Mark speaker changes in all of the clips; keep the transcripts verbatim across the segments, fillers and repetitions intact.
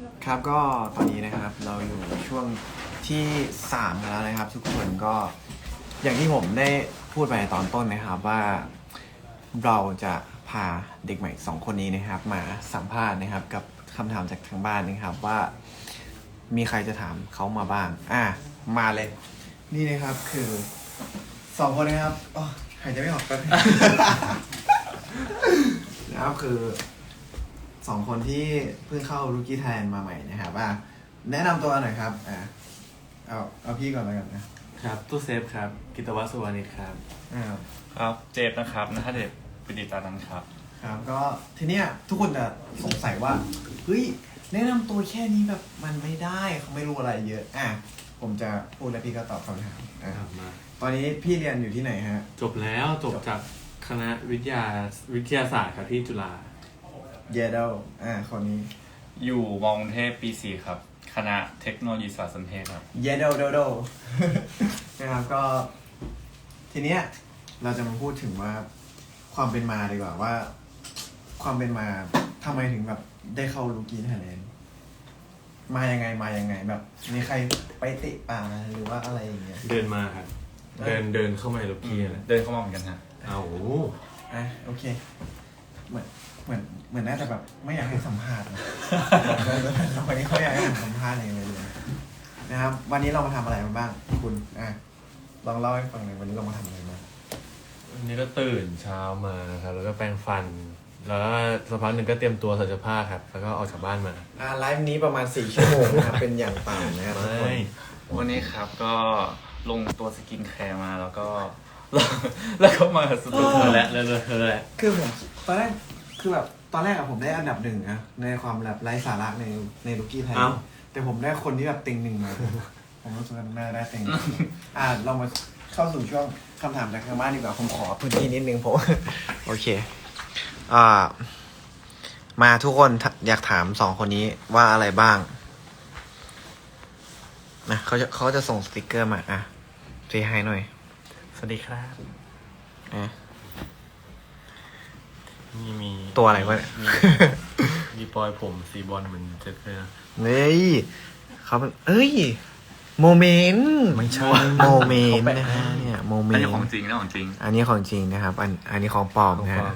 Speaker 1: ครับก็ตอนนี้นะครับเราอยู่ช่วงที่สามกันแล้วนะครับทุกคนก็อย่างที่ผมได้พูดไปตอนต้นนะครับว่าเราจะพาเด็กใหม่สองคนนี้นะครับมาสัมภาษณ์นะครับกับคำถามจากทางบ้านนะครับว่ามีใครจะถามเขามาบ้างอ่ะมาเลยนี่นะครับคือสองคนนะครับอ๋อหายใจไม่ออกแป๊บ นะครับคือสองคนที่เพิ่งเข้ารูกี้ไทยแลนด์มาใหม่นะครับว่าแนะนำตัวหน่อยครับอ่าเอาเอาพี่ก่อนแล้วกันนะครับ
Speaker 2: ตู้เซฟครับกิตวัฒน์สุวรรณิตครับ
Speaker 1: อ่า
Speaker 3: ครับเจฟนะครับณเดชน์ปิติตานันท์ครับ
Speaker 1: ครับก็ทีเนี้ยทุกคนจะสงสัยว่าเฮ้ยแนะนำตัวแค่นี้แบบมันไม่ได้เขาไม่รู้อะไรเยอะอ่ะผมจะพูดแล้วพี่ก็ตอบคำถามนะครับมาตอนนี้พี่เรียนอยู่ที่ไหนฮะ
Speaker 2: จบแล้วจบจากคณะวิทยาวิทยาศาสตร์ครับที่จุฬา
Speaker 1: เยเดลอ่าคนนี้
Speaker 3: อยู่มอกรุงเทพปีสี่ครับคณะเทคโนโลยีสารสนเทศครับ
Speaker 1: เยเดลเดลเดลนะครับก็ทีเนี้ยเราจะมาพูดถึงว่าความเป็นมาดีกว่าว่าความเป็นมาทำไมถึงแบบได้เข้ารูกี้ไทยแลนด์มายังไงมายังไงแบบมีใครไปเตะป่าหรือว่าอะไรอย่างเงี้ย
Speaker 2: เดินมาครับเดินเดินเข้ามาในรูกี้นะ
Speaker 3: เดินเข้ามาเหมือนกันฮะ
Speaker 2: เอา
Speaker 1: อ่ะโอเคเหมือนเหมือนเหมือนน่าจะแบบไม่อยากให้สัมภาษณ์นะวันนี้เขาอยากให้สัมภาษณ์เองเลยนะครับวันนี้เรามาทำอะไรมาบ้างคุณอ่ะลองเล่าให้ฟังหน่อยวันนี้เรามาทำอะไรมา
Speaker 2: วันนี้ก็ตื่นเช้ามาครับแล้วก็แปรงฟันแล้วก็สักพักหนึ่งก็เตรียมตัวใส่เสื้อผ้าครับแล้วก็ออกจากบ้านมา
Speaker 1: อ่าไลฟ์นี้ประมาณสี่ชั่วโมงนะครับเป็นอย่างต่ำนะครับ
Speaker 3: วันนี้ครับก็ลงตัวสกินแคร์มาแล้วก็แล้วก็มาสตูดิโอแล้วแล้วแล้ว
Speaker 1: คือผมตอนแรกคือแบบตอนแรกอะผมได้อันดับหนึ่งนะในความแบบไร้สาระในในลูกี้ไทยแต่ผมได้คนที่แบบติงหนึ่งมาผมรู้สึกว่าน่าได้ติงอ่าเรามาเข้าสู่ช่วงคำถามจากทางบ้านดีกว่าผมขอพื้นที่นิดนึงผมโอเคอ่ามาทุกคนอยากถามสองคนนี้ว่าอะไรบ้างนะเขาจะเขาจะส่งสติกเกอร์มาอ่ะเซฮายหน่อย
Speaker 2: สวัสดีครับ
Speaker 1: อ่ะ
Speaker 2: มีมี
Speaker 1: ตัวอะไรวะเนี่ย
Speaker 2: มีปอยผมสีบอลเหมือนเจ็บเลยนะ
Speaker 1: เฮ้ยเขาเป็นเอ้ยโมเมนต์
Speaker 2: ไม่ใช่
Speaker 1: โมเมนต์นะฮะเนี่ยโมเมนต์
Speaker 3: อันนี้ของจริงนะของจริง
Speaker 1: อันนี้ของจริงนะครับอันอันนี้ของปลอมนะฮะ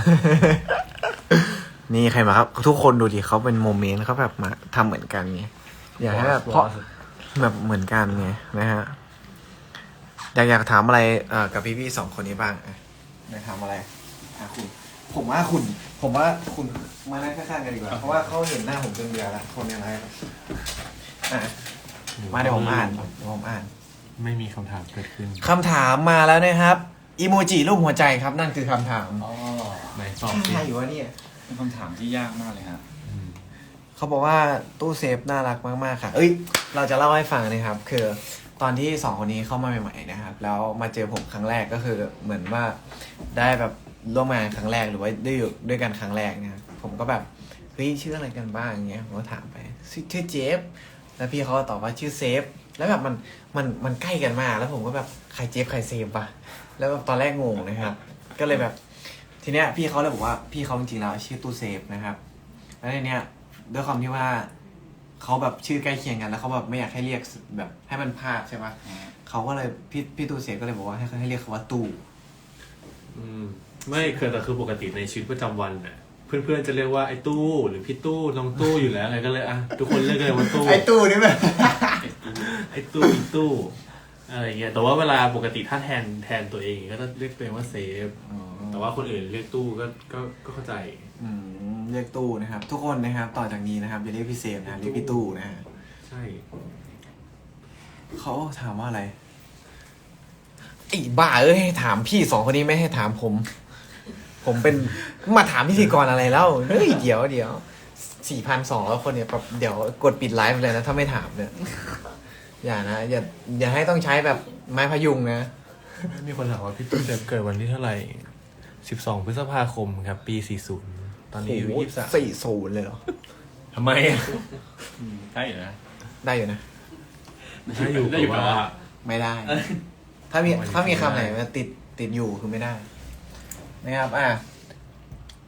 Speaker 1: นี่ใครมาครับทุกคนดูดิเขาเป็นโมเมนต์เขาแบบมาทำเหมือนกันไงอยากให้แบบเพราะแบบเหมือนกันไงนะฮะอยากอยากถามอะไรเอ่อกับพี่ๆสองคนนี้บ้างอยากถามอะไรอ่ะคุณผมว่าคุณผมว่าคุณมานั่งข้างๆกันดีกว่าเพราะว่าเขาเห็นหน้าผมจนเบื่อละคนอะไรอ่ะมาเดี๋ยวผมอ่านเดี๋ยวผมอ่าน
Speaker 2: ไม่มีคำถามเกิดขึ้น
Speaker 1: คำถามมาแล้วนะครับอีโมจิรูปหัวใจครับนั่นคือคำถาม
Speaker 3: อ๋อ
Speaker 2: ไหนตอบสิ
Speaker 1: ใช่อยู่วะเนี่ย
Speaker 3: เป็นคำถามที่ยากมากเลยฮะ
Speaker 1: เขาบอกว่าตู้เซฟน่ารักมากๆค่ะเอ้ยเราจะเล่าให้ฟังนะครับคือตอนที่สองคนนี้เข้ามาใหม่ๆนะครับแล้วมาเจอผมครั้งแรกก็คือเหมือนว่าได้แบบร่วมงานครั้งแรกหรือว่าได้อยู่ด้วยกันครั้งแรกนะครับผมก็แบบเฮ้ยชื่ออะไรกันบ้างอย่างเงี้ยผมก็ถามไปชื่อเจฟแล้วพี่เขาก็ตอบว่าชื่อเซฟแล้วแบบมันมันมันใกล้กันมากแล้วผมก็แบบใครเจฟใครเซฟปะแล้วตอนแรกงงนะครับก็เลยแบบทีเนี้ยพี่เขาเลยบอกว่าพี่เขาจริงๆแล้วชื่อตู้เซฟนะครับแล้วในเนี้ยด้วยความที่ว่าเขาแบบชื่อใกล้เคียงกันแล้วเขาแบบไม่อยากให้เรียกแบบให้มันพลาดใช่ปะเขาก็เลยพี่พี่ตู้เซฟก็เลยบอกว่าให้ให้เรียกเขาว่าตู้
Speaker 2: อืมไม่คือแต่คือปกติในชีวิตประจำวันน่ะเพื่อนๆจะเรียกว่าไอ้ตู้หรือพี่ตู้น้องตู้อยู่แล้วอะไรก็เลยอ่ะทุกคนเรียกเลยว่าตู้
Speaker 1: ไอ้ตู้นี่แบบ
Speaker 2: ไอ้ตู้อีตู้อะไรเงี้ยแต่ว่าเวลาปกติถ้าแทนแทนตัวเองก็จะเรียกตัวเองว่าเซฟแต่ว่าคนอื่นเรียกตู้ก็ก็ก็เข้าใจ
Speaker 1: อืมเรียกตู้นะครับทุกคนนะครับต่อจากนี้นะครับอย่าเรียกพี่เซฟนะเรียกพี่ตู้นะฮะ
Speaker 2: ใช่
Speaker 1: เขาถามว่าอะไรไอ้บ้าเอ้ยถามพี่สองคนนี้ไม่ให้ถามผมผมเป็นมาถามพิธีกรอะไรแล้วเฮ้ยเดี๋ยวเดี๋ยวสี่พันสองแล้วคนเนี่ยแบบเดี๋ยวกดปิดไลฟ์เลยนะถ้าไม่ถามเนี่ยอย่านะอย่าอย่าให้ต้องใช้แบบไม้พยุงนะ
Speaker 2: มีคนถามว่าพี่ตู้เซฟเกิดวันที่เท่าไหร่สิบสองพฤษภาคมครับปีสี่สิบตอนนี้อายุยี่สิบสาม
Speaker 1: สี่สิบเลยเหรอ
Speaker 2: ทำไม
Speaker 3: ได้อยู่นะ
Speaker 1: ได้อยู่นะ
Speaker 2: ได้อยู่ได้อยู่ว่า
Speaker 1: ไม่ได้ถ้ามีถ้ามีคำไหนมาติดติดอยู่คือไม่ได้นะครับอ่ะ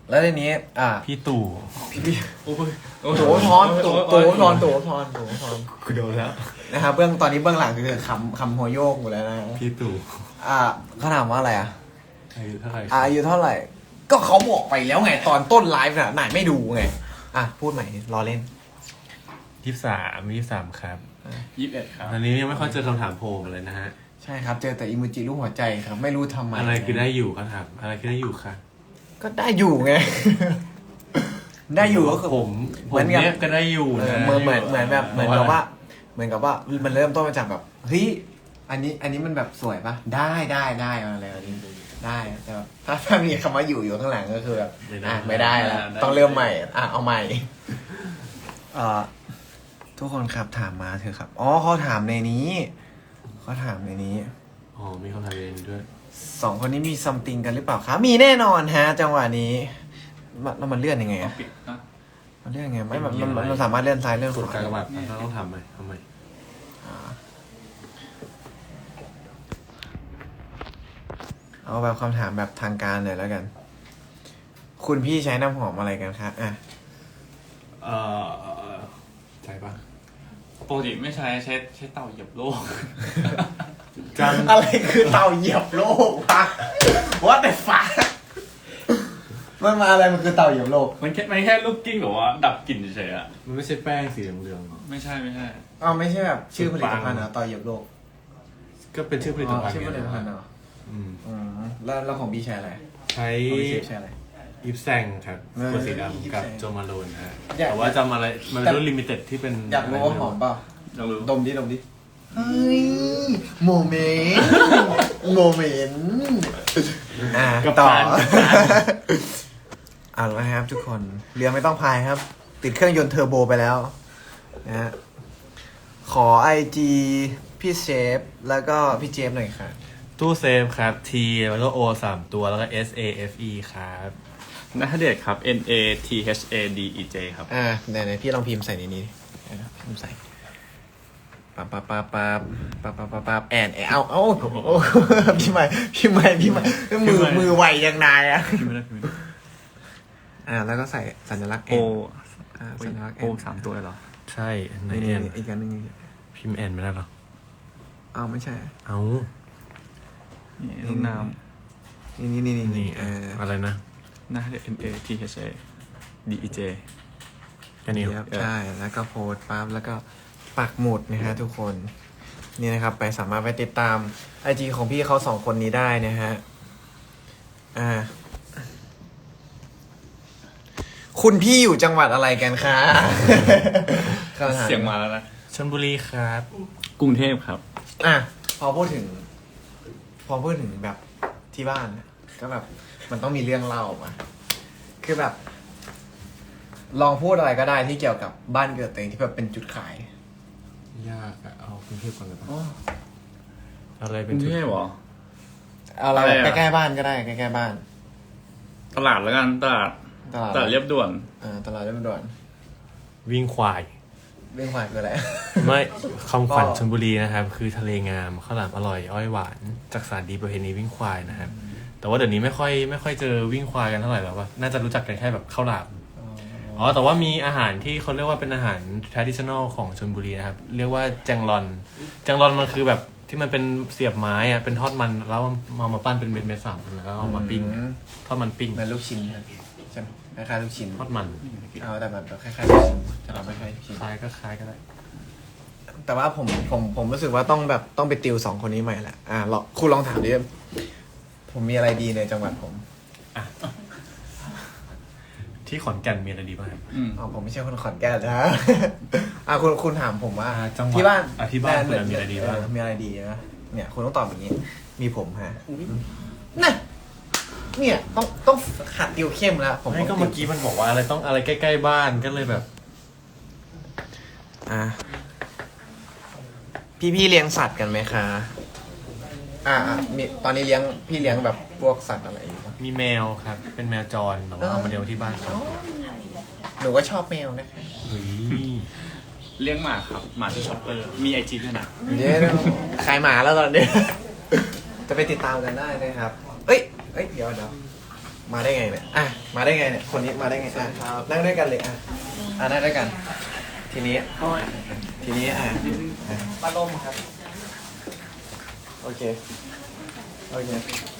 Speaker 1: แล้วทีนี้ อ่า
Speaker 2: พี่ตู่
Speaker 1: พี่พี่
Speaker 3: โอ้ย
Speaker 1: โถทอนโถโถทอนโถทอนโถทอน
Speaker 2: กูโดนแล้ว
Speaker 1: นะครับเบื้องตอนนี้เบื้องหลังคือคำคำหัวโยกหมดแล้วนะ
Speaker 2: พี่ตู่
Speaker 1: อ่าเขาถามว่าอะไรอ่ะ
Speaker 2: อายุเท่าไหร่
Speaker 1: อายุเท่าไหร่ ก็เขาบอกไปแล้วไงตอนต้นไลฟ์น่ะไหนไม่ดูไง อ่ะ พูดใหม่รอเล่น
Speaker 2: ยี่สิบสามยี่สิบสามครับ
Speaker 3: ยี่สิบเอ็ดครับ
Speaker 2: อันนี้ยังไม่ค่อยเจอคำถามโพลมาเลยนะฮะ
Speaker 1: ใช่ครับ เจอแต่อิโมจิรูปหัวใจครับ ไม่รู้ทำไม
Speaker 2: อะไรคือได้อยู่เขาถามอะไรคือได้อยู่ค่ะ
Speaker 1: ก็ได้อยู่ไง ได้อยู่ก็คือ
Speaker 2: ผมผ
Speaker 1: เหมื
Speaker 2: ม
Speaker 1: อนกับ
Speaker 2: เนี่ยก็ได้อยู่
Speaker 1: เออ
Speaker 2: นะ
Speaker 1: เหมือนเหมือนเหมือนแบบเหมือนกับว่า เหมือนกับว่ามันเริ่มต้นมาจากแบบเฮ้ยอันนี้อันนี้มันแบบสวยปะได้ได้ได้อะไรแบบนี้ได้แต่แบบถ้าถ้ามีคำว่าอยู่อยู่ข้างหลังก็คือแบบอ่ะไม่ได้แล้วต้องเริ่มใหม่อ่ะเอาใหม่เอ่อทุกคนครับถามมาเถอะครับอ๋อเขาถามในนี้เขาถามในนี้
Speaker 2: อ๋อมีคำถามเองด้วย
Speaker 1: สองคนนี้มีซัมติงกันหรือเปล่าครับมีแน่นอนฮะ จังหวะนี้มันแล้วมันเลื่อนยังไง
Speaker 3: ต้อ
Speaker 1: อะ
Speaker 3: งปิดนะ
Speaker 1: มันเลื่อนยังไงไม่มันมันมันมันสามารถเลื่อนซ้ายเลื่อนข
Speaker 2: กด
Speaker 1: วา
Speaker 2: การกระบาดเราต้องทำไหมทำไม
Speaker 1: เอาแบบคำถามแบบทางการเลยแล้วกัน คุณพี่ใช้น้ำหอมอะไรกันคะอ่ะ
Speaker 2: เอ่อใช่ปะ
Speaker 3: ปกติไม่ใช้ใช้ใช้เต่าเหยียบโลก
Speaker 2: จำ
Speaker 1: อะไรคือเตาเหยียบโลกวะ What the fuck มันมาอะไรมันคือเตาเหยียบโลก
Speaker 3: มันแค่มันแค่ลูกกิ้งหรือว่าดับกลิ่นเฉยๆอะ
Speaker 2: มันไม่ใช่แป้งสีเหลืองๆหรอ
Speaker 3: ไม่ใช่ไม่ใช่
Speaker 1: อ้าวไม่ใช่แบบชื่อผลิตภัณฑ์เหรอเตาเหยียบโลก
Speaker 2: ก็เป็นชื่อผลิตภัณฑ์
Speaker 1: ชื่อผลิตภัณฑ์
Speaker 2: ไง
Speaker 1: เหรอ
Speaker 2: อืม
Speaker 1: อืมแล้วแล้วของพี่ใช้อะไร
Speaker 2: ใช้
Speaker 1: ของพี่เชฟใช้อะไร
Speaker 2: ยิปแซงครับ
Speaker 1: เออ
Speaker 2: ตัวสีดำกับ
Speaker 1: ยิปแซง
Speaker 2: โจมาโลนนะฮะ
Speaker 1: อยาก
Speaker 2: แต่ว่าจำอะไรมันเป็นรุ่นลิมิเต็ดที่เป็น
Speaker 1: อยากรู้ว่าหอมเปล่า
Speaker 3: ลองดู
Speaker 1: ดมดิดมดิเฮ้ยโมเมนต์โมเมนต์อ่ะต่อเอาละครับทุกคนเรือไม่ต้องพายครับ ติดเครื่องยนต์เทอร์โบไปแล้วนะฮะขอไอจีพี่เชฟแล้วก็พี่เจฟหน่อยค่ะ
Speaker 2: ตู้เซฟครับ T แล้วก็ O สามตัวแล้วก็ S A F E ครับ
Speaker 3: นัทเดชครับ N A T H A D E J ครับ
Speaker 1: อ่าไหนๆพี่ลองพิมพ์ใส่ในนี้เดี๋ยวนะพิมพ์ใส่ปั๊บปั๊บปั๊บปั๊บปั๊บปั๊บปั๊บปั๊บแอนแอนเอาเอาโอ้พี่ใหม่พี่ใหม่พี่ใหม่มือมือไวยังนายอ่ะ
Speaker 3: พิมพ์ไม่ได้พิมพ์ไม่ได้
Speaker 1: อ่าแล้วก็ใส่สัญลักษณ์
Speaker 3: โอ
Speaker 1: อ่าสัญลักษณ์
Speaker 3: โอสามตัวเลยเหรอ
Speaker 2: ใช่ใน
Speaker 1: นี่
Speaker 2: แอน
Speaker 1: อีกอันหนึง
Speaker 2: พิมพ์แอนไม่ได้หรอ
Speaker 1: อ้าวไม่ใช่
Speaker 2: เอา
Speaker 3: นี่ลูกน้
Speaker 1: นี่นี่นี่นี่
Speaker 2: นี่
Speaker 1: เออ
Speaker 2: อะไรนะ
Speaker 3: ำนัทเดช N A T H A D E J
Speaker 2: แค่นี้
Speaker 1: ครับใช่แล้วก็โพสต์ปั๊บแล้วก็ปักหมุดนะฮะทุกคนนี่นะครับไปสามารถไปติดตามไอจีของพี่เขาสองคนนี้ได้นะฮะอ่าคุณพี่อยู่จังหวัดอะไรกันคะ
Speaker 3: เสียงมาแล้วนะ
Speaker 2: ชลบุรีครับ
Speaker 3: กรุงเทพครับ
Speaker 1: อ่ะพอพูดถึง พอพูดถึงแบบที่บ้านเนี่ยก็แบบ มันต้องมีเรื่องเล่ามาคือแบบ ลองพูดอะไรก็ได้ที่เกี่ยวกับบ้านเกิดตัวเองที่แบบเป็นจุดขาย
Speaker 2: ยากอะเอากรุงเทพก่อนเลยปะ
Speaker 1: อ๋อ
Speaker 2: อะไร
Speaker 3: ก
Speaker 2: เป็น
Speaker 3: รุง
Speaker 2: จุด
Speaker 3: เทพเหรอ
Speaker 1: เอาอะไร
Speaker 3: อะไรอะ
Speaker 1: ใกล้ๆบ้านก็ได้ใกล้ๆบ้าน
Speaker 3: ตลาดแล้วกันตลาด
Speaker 1: ตลาด
Speaker 3: ตลาดเรียบด่วน
Speaker 1: อ่าตลาดเรียบด่วน
Speaker 2: วิ่งควาย
Speaker 1: เรื่องขายคืออะไร
Speaker 2: ไม่คำขวัญ
Speaker 1: ก็
Speaker 2: ชลบุรีนะครับ คือทะเลงามข้าวหลามอร่อยอ้อยหวานจักสานดีประเพณีวิ่งควายนะครับ แต่ว่าเดี๋ยวนี้ไม่ค่อยไม่ค่อยเจอวิ่งควายกันเท่าไหร่แล้วว่าน่าจะรู้จักกันแค่แบบข้าวหลามอ๋อแต่ว่ามีอาหารที่เขาเรียกว่าเป็นอาหาร traditional ของชลบุรีนะครับ เรียกว่าแจงรอนแจงรอนมันคือแบบที่มันเป็นเสียบไม้อะเป็นทอดมันแล้วเอามาปั้นเป็นเม็ดเม็ดๆสามแล้วก็เอามาปิ้ง
Speaker 1: อืม
Speaker 2: ทอดมันปิ้ง
Speaker 1: เหมือนลูกชิ้นใช่ไหมคล้ายๆลูกชิ้น
Speaker 2: ทอดมัน
Speaker 1: เอาแต่แบบคล้ายๆลูกชิ้นแต่เราไม่คล้ายลูกชิ้น
Speaker 2: คล้ายก็คล้ายก็ได้
Speaker 1: แต่ว่าผมผมผมรู้สึกว่าต้องแบบต้องไปติวสองคนนี้ใหม่แหละอ่าลองคุณลองถามดิผมมีอะไรดีในจังหวัดผม
Speaker 2: ที่ขอนแก่นมีอะไรดีบ้างครับ
Speaker 3: อืม
Speaker 1: อ๋อผมไม่ใช่คนขอนแก่นนะ อ่าคุณคุณถามผมว่า
Speaker 2: อ่าจังหวัด
Speaker 1: ที่บ้าน
Speaker 2: อ่ะที่บ้านคุณมีอะไรดีบ้าง
Speaker 1: เมีอะไรดีนะเนี่ยคุณต้องตอบอย่างนี้ มีผมฮะน่ะเนี่ยต้องต้องหัดติวเข้มแล้วผม
Speaker 2: ไม่ก็
Speaker 1: ต้ง
Speaker 2: เมื่อกี้มันบอกว่าอะไรต้องอะไรใกล้ๆบ้านก็เลยแบบ
Speaker 1: อ่าพี่พี่เลี้ยงสัตว์กันไหมคะอ่าอ่ามีตอนนี้เลี้ยงพี่เลี้ยงแบบพวกสัตว์อะไรอยู่ปะ
Speaker 2: มีแมวครับ เป็นแมวจรแต่ว่าเอามาเลี้ยงที่บ้านครับ
Speaker 1: หนูก็ชอบแมวนะคะ
Speaker 2: เฮ้ย
Speaker 3: เลี้ยงหมาครับ หมาที่ช็อปเปอร์ มีไอจีด้วยนะ
Speaker 1: เดี๋ยวขายหมาแล้วตอนนี้ จะไปติดตามกันได้นะครับ เอ้ย เอ้ย เดี๋ยวเดี๋ยวมาได้ไงเนี่ยอ่ะมาได้ไงเนี่ยคนนี้มาได้ไงอ่ะนั่งด้วยกันเลยอ่ะอ่ะนั่งด้วยกัน ทีนี้ทีนี้อ่ะป้าล่มครับโอเคโอเค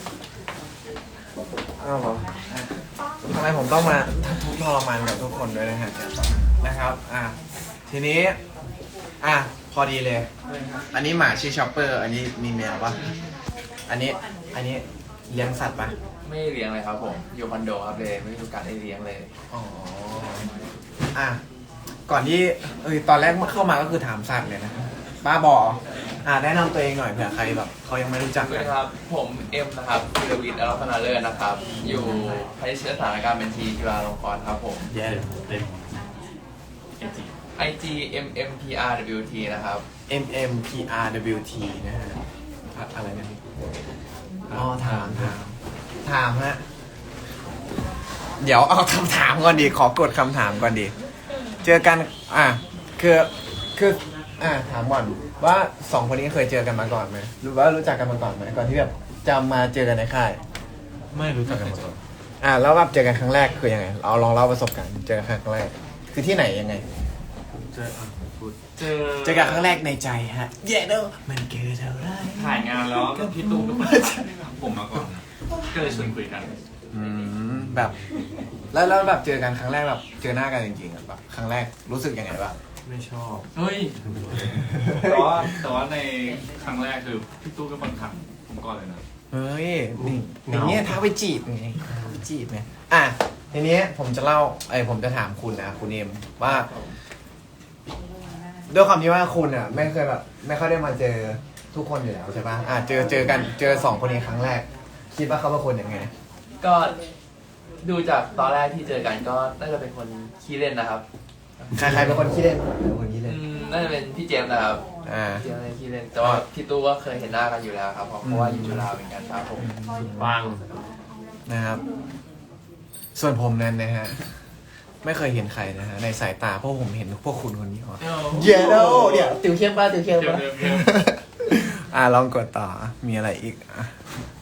Speaker 1: อ้าวเหรออ่ะทำไมผมต้องมาทุกข์ทรมานกับทุกคนด้วยนะฮะนะครับอ่ะทีนี้อ่ะพอดีเลย อันนี้หมาชื่อชอปเปอร์อันนี้มีแมวปะอันนี้อันนี้เลี้ยงสัตว์ปะ
Speaker 4: ไม่เลี้ยงเลยครับผมอยู่คอนโดครับเลยไม่มีโอกาสได้เลี้ยงเลย
Speaker 1: อ๋ออ่ะก่อนที่เออตอนแรกเข้ามาก็คือถามสัตว์เลยนะบ้าบออ่ะแนะนำตัวเองหน่อยเผื่อใครแบบเขายังไม่รู้จัก
Speaker 4: สวัส
Speaker 1: กั
Speaker 4: ดี
Speaker 1: น
Speaker 4: ครับผมเอ็มนะครับธีรวิทย์อรัตนาเลิศนะครับ อยู่คณะสถานการณ์บัญชีจุฬาลงกรณ์ครับผม
Speaker 2: แย่เต็ม
Speaker 4: ไอ จี เอ็ม เอ็ม พี อาร์ ดับเบิลยู ที นะครับ
Speaker 1: M M P R W T นะฮะอะอะไรนะพี่อ๋อถามถามถามฮะเดี๋ยวเอาคำถามก่อนดีขอกดคำถามก่อนดีเจอกันอ่ะคือคืออ่ะถามก่อนว่าสองคนนี้เคยเจอกันมาก่อนไหมหรือว่ารู้จักกันมาก่อนไหมก่อนที่แบบจะมาเจอกันในค่าย
Speaker 2: ไม่รู้จักกันมาก่อน
Speaker 1: อ่ะแล้วแบบเจอกันครั้งแรกคือยังไงเราลองเล่าประสบการณ์เจอกันครั้งแรกคือที่ไหนยังไง
Speaker 2: เจออ่ะพูด
Speaker 3: เจอ
Speaker 1: เจอกันครั้งแรกในใจฮะเย้เด้อมันเกิดอะไร
Speaker 3: ถ่ายงานแล้วพี่ตู้เป็นคนถ่ายผมมาก่อนก็เลยชวนคุยกัน
Speaker 1: อืมแบบแล้วแล้วแบบเจอกันครั้งแรกแบบเจอหน้ากันจริงๆอะแบบครั้งแรกรู้สึกยังไงบ้าง
Speaker 2: ไม่ชอบ
Speaker 3: เฮ้ยแต่ว่าแต่ว่าในครั้งแรกคือพี่ตู้เป็นคนถามผมก่อนเลยนะ
Speaker 1: เฮ้ยนี่อย่างเงี้ยท้าไปจีบไงท้าไปจีบไงอ่ะทีนี้ผมจะเล่าไอ้ยผมจะถามคุณนะคุณเอมว่าด้วยความที่ว่าคุณอ่ะไม่เคยแบบไม่ค่อยได้มาเจอทุกคนอยู่แล้วใช่ปะอ่ะเจอเจอกันเจอสองคนนี้ครั้งแรก คิดว่าเขาเป็นคนยังไง
Speaker 4: ก็ดูจากตอนแรกที่เจอกันก็น่าจะเป็นคนขี้เล่นนะครับ
Speaker 1: ใครใครเป็นคนขี้เล่นเป็นคนขี้
Speaker 4: อื
Speaker 1: เล่น
Speaker 4: มน่าจะเป็นพี่เจมส์นะครับ
Speaker 1: อ่า
Speaker 4: พี่เจมส์เป็นขี้เล่น แต่ว่าพี่ตู้ก็เคยเห็นหน้ากันอยู่แล้วครับเพราะเพราะว่าอยู่จุฬาเหมือนกันครับผม
Speaker 2: บ้าง
Speaker 1: นะครับ ส่วนผมนั้นนะฮะไม่เคยเห็นใครนะฮะในสายตาเพราะผมเห็นพวกคุณคนนี้อ๋อเย้แล้วเดี๋ยวติวเข้มป่ะติวเข้มป่ะ อ่ะลองกดต่อมีอะไรอีกอ่ะ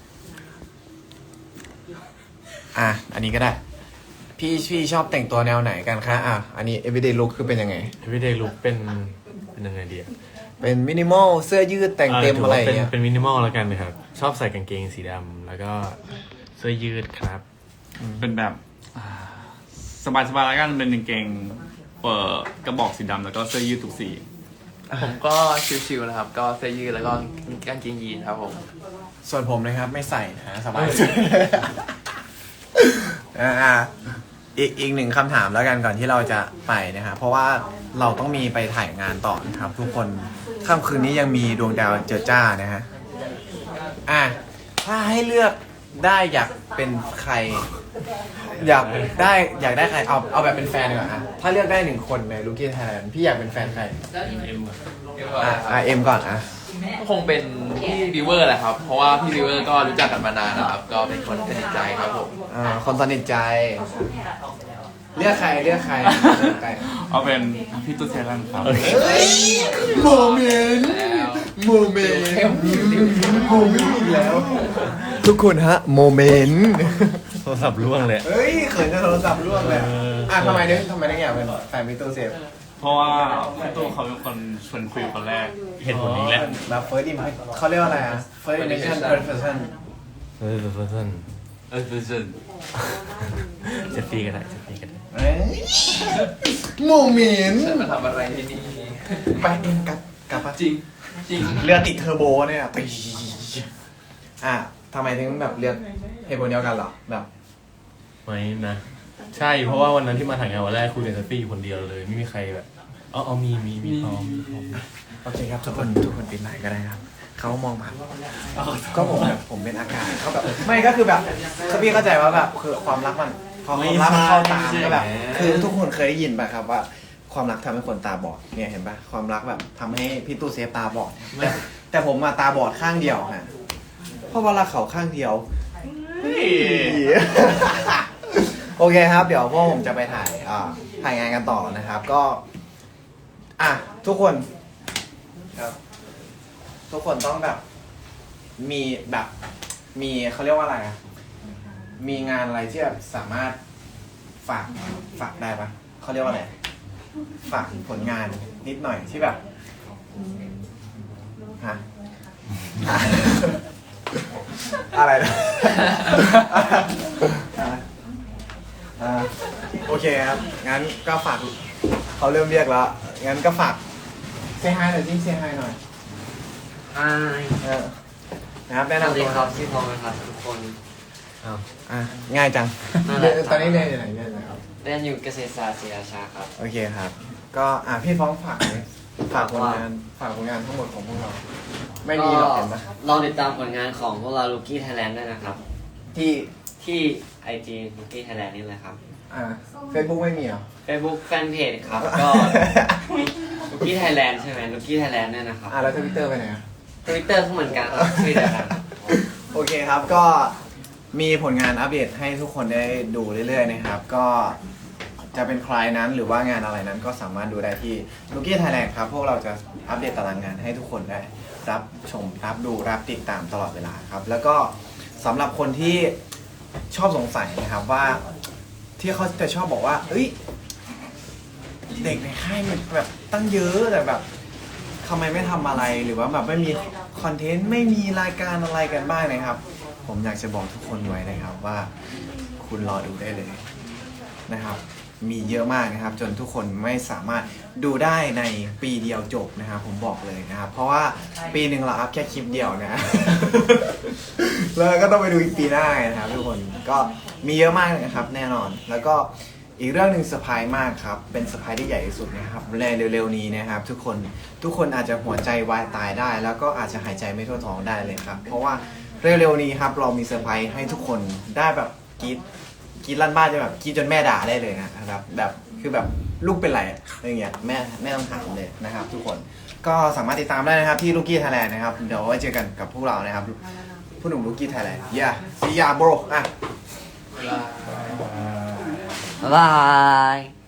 Speaker 1: อ่ะอันนี้ก็ได้ พี่พี่ชอบแต่งตัวแนวไหนกันคะอ่ะอันนี้ everyday look คือเป็นยังไง
Speaker 2: everyday look เป็นเป็นยังไงดีอะ
Speaker 1: เป็นมินิมอลเสื้อยืดแต่งเต็มอะไรอย่าง
Speaker 2: เป็น
Speaker 1: เงี้ย
Speaker 2: เป็นมินิมอลแล้วกันนะครับ ชอบใส่กางเกงสีดำแล้วก็เสื้อยืดครับ
Speaker 3: เป็นแบบสบายสบายๆแล้วกันเป็นกางเกงเปิดกระบอกสีดำแล้วก็เสื้อยืดทุกสี
Speaker 4: ผมก็ชิวๆนะครับ ก็เสื้อยืดแล้วก็กางเกงยีนครับผม
Speaker 1: ส่วนผมนะครับไม่ใส่นะสบายอ่าอีกอีกหนึ่งคำถามแล้วกันก่อนที่เราจะไปนะครับเพราะว่าเราต้องมีไปถ่ายงานต่อนะครับ ทุกคนค่ำคืนนี้ยังมีดวงดาวเจอจ้านะฮะอ่ะถ้าให้เลือกได้อยากเป็นใคร อยากได้อยากได้ใครเอาเอาแบบเป็นแฟนดีกว่าอ่ะถ้าเลือกได้หนึ่งคนในลูกี้ไทยแลนด์พี่อยากเป็นแฟนใคร
Speaker 2: เอ็มอะ
Speaker 1: อ่ะอ่ะเอ็มก่อนอ่ะ
Speaker 4: ก็คงเป็นพี่ริเวอร์แหละครับ เพราะว่าพี่ริเวอร์ก็รู้จักกันมานานนะครับ ก็เป็นคนสนิทใจครับผม
Speaker 1: อ่าคนสนิทใจ เลือกใครเลือกใครเลือกใคร
Speaker 3: เอาเป็นพี่ตู้เซรันครับ
Speaker 1: โมเมนต์โมเมนต์โมเมนต์อีกแล้ว ทุกคนฮะโมเมนต์
Speaker 2: โทรศัพท์ร่วงเลย
Speaker 1: เฮ้ยเขินจนโทรศัพท์ร่วงเลย
Speaker 2: เอออ่
Speaker 1: อ่ะทำไมเนี่ยทำไมได้อยากเป็นแฟนมิตู้เซฟ
Speaker 3: เพราะว่าพี่ตู้เขาเป็นคนชวนคุยคนแรก
Speaker 2: เห็นผลนี้แหละ
Speaker 1: แบบ first impression เขาเรียกว่าอะไรอ่ะ first impression first person
Speaker 2: เออเพื่อน
Speaker 3: เออคือ
Speaker 2: เจะฟรีก็ได้เจะฟรีก็ได้
Speaker 1: เอ้ยโมเมนต์
Speaker 4: ฉันมาทำอะไรที่นี่
Speaker 1: ไปเองกลับกลับปะ
Speaker 4: จริง จริง
Speaker 1: เรือติดเทอร์โบเนี่ยไปอ่ะทำไมถึงแบบเลือกเหตุผลเดียวกันเหรอแบบ
Speaker 2: ไม่นะ ใช่เพราะว่าวันนั้นที่มาถ่ายงานวันแรกคุยกันเซฟฟี่อยู่คนเดียวเลย ไม่มีใครแบบอ๋ออ๋อมีมีมีพร้อมมีพร้อม
Speaker 1: โอเคครับทุกคนทุกคนปิดไลน์ก็ได้ครับเขามองมาก็ผมแบบผมเป็นอากาศเขาแบบไม่ก็คือแบบคือพี่เข้าใจว่าแบบคือความรักมันพอความรักมันเข้าตามก็แบบคือทุกคนเคยได้ยินป่ะครับว่าความรักทำให้คนตาบอดเนี่ยเห็นป่ะความรักแบบทำให้พี่ตู้เซฟตาบอดแต่แต่ผมมาตาบอดข้างเดียวฮะเพราะว่ารักเขาข้างเดียว โอเคครับ เดี๋ยวพวกผมจะไปถ่ายอ่าถ่ายงานกันต่อนะครับ ก็ อ่ะทุกคนครับ ทุกคนต้องแบบ มีแบบ มีเขาเรียกว่าอะไรอ่ะมีงานอะไรที่แบบสามารถฝากฝากได้ปะเขาเรียกว่าอะไรฝากผลงานนิดหน่อยที่แบบฮะ อะไรนะ อ่าโอเคครับ งั้นก็ฝากเขาเริ่มเรียกแล้ว งั้นก็ฝากเซฮายหน่อยสิเซฮายหน่อย
Speaker 5: ไอ้
Speaker 1: เออนะครับแนะ
Speaker 5: สวัส
Speaker 1: นำ
Speaker 5: ดี
Speaker 1: ตัว
Speaker 5: ครับชื่อทองนะครับทุกคน
Speaker 1: อ่ะง่ายจัง
Speaker 5: นั่นแหละ
Speaker 1: ตอนนี้เรียนอยู่ไหนเรียนอยู่ไหนครับ
Speaker 5: เรียนอยู่เกษตรศาสตร์ศรีราชาครับ
Speaker 1: โอเคครับ ก็อ่ะพี่ฟ้องฝากเลยฝากผลงานฝากผลงานทั้งหมดของพวกเรา ไม่มีหรอกเห็นปะ
Speaker 5: ลองติดตามผลงานของพวกเราลูกี้ไทยแลนด์ด้วยนะครับ
Speaker 1: ที่
Speaker 5: ที่ไอจีลูกี้ไทยแลนด์นี่แหละครับ
Speaker 1: อ่าเฟซบุ๊กไม่มีเหรอ
Speaker 5: Facebook แฟนเพจครับ ก็ลูกี้ไทยแลนด์ใช่ไหมลูกี้ไทยแลนด์เนี่ยนะครับ
Speaker 1: อ่าแล้วทวิตเตอร์ไปไหนอ่ะ
Speaker 5: ทวิตเตอร์ก็เหมือนกันครับชื่อเดียวกัน
Speaker 1: โอเคครับก็มีผลงานอัปเดตให้ทุกคนได้ดูเรื่อยๆนะครับ ก็จะเป็นใครนั้นหรือว่างานอะไรนั้นก็สามารถดูได้ที่ Rookie Thailand ครับพวกเราจะอัปเดตตารางงานให้ทุกคนได้รับชมรับดูรับติดตามตลอดเวลาครับ แล้วก็สำหรับคนที่ชอบสงสัยนะครับว่าที่เขาจะชอบบอกว่าเอ้ยเด็กในค่ายมันแบบตั้งเยอะแต่แบบทำไมไม่ทำอะไรหรือว่าแบบไม่มีคอนเทนต์ไม่มีรายการอะไรกันบ้างนะครับ ผมอยากจะบอกทุกคนไว้นะครับว่าคุณรอดูได้เลยนะครับ มีเยอะมากนะครับ จนทุกคนไม่สามารถดูได้ในปีเดียวจบนะครับ ผมบอกเลยนะครับ เพราะว่าปีหนึ่งเราอัพแค่คลิปเดียวนะ แล้วก็ต้องไปดูอีกปีหน้านะครับ ทุกคนก็มีเยอะมากนะครับ แน่นอน แล้วก็อีกเรื่องหนึ่งเซอร์ไพรส์มากครับเป็นเซอร์ไพรส์ที่ใหญ่ที่สุดนะครับในเร็วๆนี้นะครับ ทุกคนทุกคนอาจจะหัวใจวายตายได้ แล้วก็อาจจะหายใจไม่ทั่วท้องได้เลยครับ เพราะว่าเร็วๆนี้ครับเรามีเซอร์ไพรส์ให้ทุกคนได้แบบกรี๊ดกรี๊ดลั่นบ้านจะแบบกรี๊ดจนแม่ด่าได้เลยนะครับแบบคือแบบลูกเป็นไรอะไรเงี้ยแม่แม่ต้องถามเลยนะครับ ทุกคนก็สามารถติดตามได้นะครับที่ Rookie Thailand นะครับเดี๋ยวไว้เจอกันกับพวกเรานะครับผู้หนุ่ม Rookie Thailand yeah see ya bro อ่ะ
Speaker 5: บ๊ายบาย